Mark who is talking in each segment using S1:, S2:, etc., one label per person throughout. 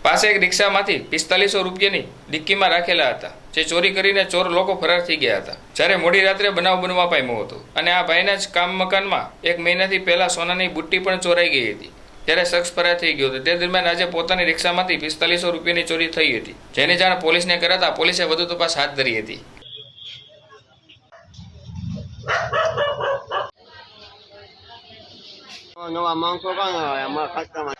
S1: પાસે એક રિક્ષામાંથી 4500 રૂપિયાની ડિક્કીમાં રાખેલા હતા, જે ચોરી કરીને ચોર લોકો ફરાર થઈ ગયા હતા। જ્યારે મોડી રાત્રે બનાવ બનવા પામ્યો હતો અને આ ભાઈના જ કામ મકાનમાં 1 મહિનાથી પહેલા સોનાની બુટ્ટી પણ ચોરાઈ ગઈ હતી। ત્યારે શખ્સ ફરાર થઈ ગયો હતો। તે દરમિયાન આજે પોતાની રિક્ષામાંથી 4500 રૂપિયાની ચોરી થઈ હતી, જેની જાણ પોલીસને કરાતા પોલીસે વધુ તપાસ હાથ ધરી હતી।
S2: નવા માંગતો કાં અમારા ખાતામાં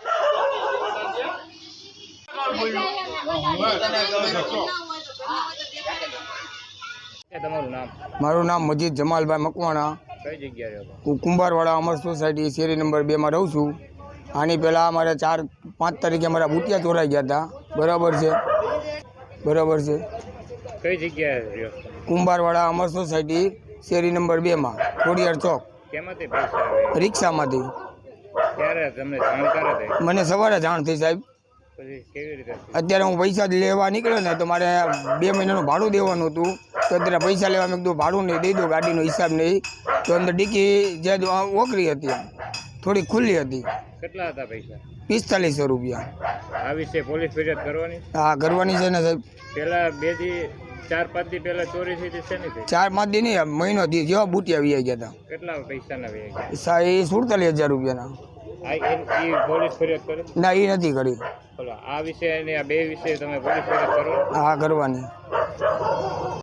S3: મારું નામ મજીદ જમાલભાઈ મકવાણા,
S1: કઈ જગ્યાએ હતો?
S3: હું કુંભારવાડા અમર સોસાયટી શેરી નંબર 2 માં રહું છું। આની પહેલાં અમારે 4-5 તારીખે મારા બુટિયા ચોરાઈ ગયા હતા। બરાબર છે, બરાબર છે।
S1: કઈ જગ્યાએ રહ્યો?
S3: કુંભારવાડા અમર સોસાયટી શેરી નંબર 2 માં ખોડિયાર ચોક,
S1: કેમાંથી પૈસા આવે?
S3: રિક્ષામાંથી।
S1: ક્યારે તમને જાણકાર હતી?
S3: મને સવારે જાણ થઈ સાહેબ।
S1: પછી કેવી રીતે?
S3: અત્યારે હું પૈસા લેવા નીકળ્યો ને તો મારે 2 મહિનાનું ભાડું દેવાનું હતું, તો અત્યારે પૈસા લેવા મેં કીધું ભાડું નહીં દઈ દો, ગાડીનો હિસાબ નહીં। તો અંદર ડિક્કી જે ઓકરી હતી થોડી ખુલ્લી હતી।
S1: કેટલા હતા પૈસા?
S3: 4500 રૂપિયા।
S1: આ વિશે પોલીસ ફરિયાદ કરવાની?
S3: હા કરવાની છે ને સાહેબ।
S1: પેલા 4-5 દી પહેલા ચોરી થઈ હતી, શેની થઈ?
S3: 4-5 દી નહીં, મહિનો થી જેવા બુટિયા વી ગયા હતા।
S1: કેટલા પૈસાના વી ગયા?
S3: એ 47,000 રૂપિયાના।
S1: પોલીસ ફરિયાદ કરી?
S3: ના એ નથી કરી।
S1: આ વિશે અને આ બે વિશે તમે પોલીસ ફરિયાદ કરો?
S3: હા કરવાની।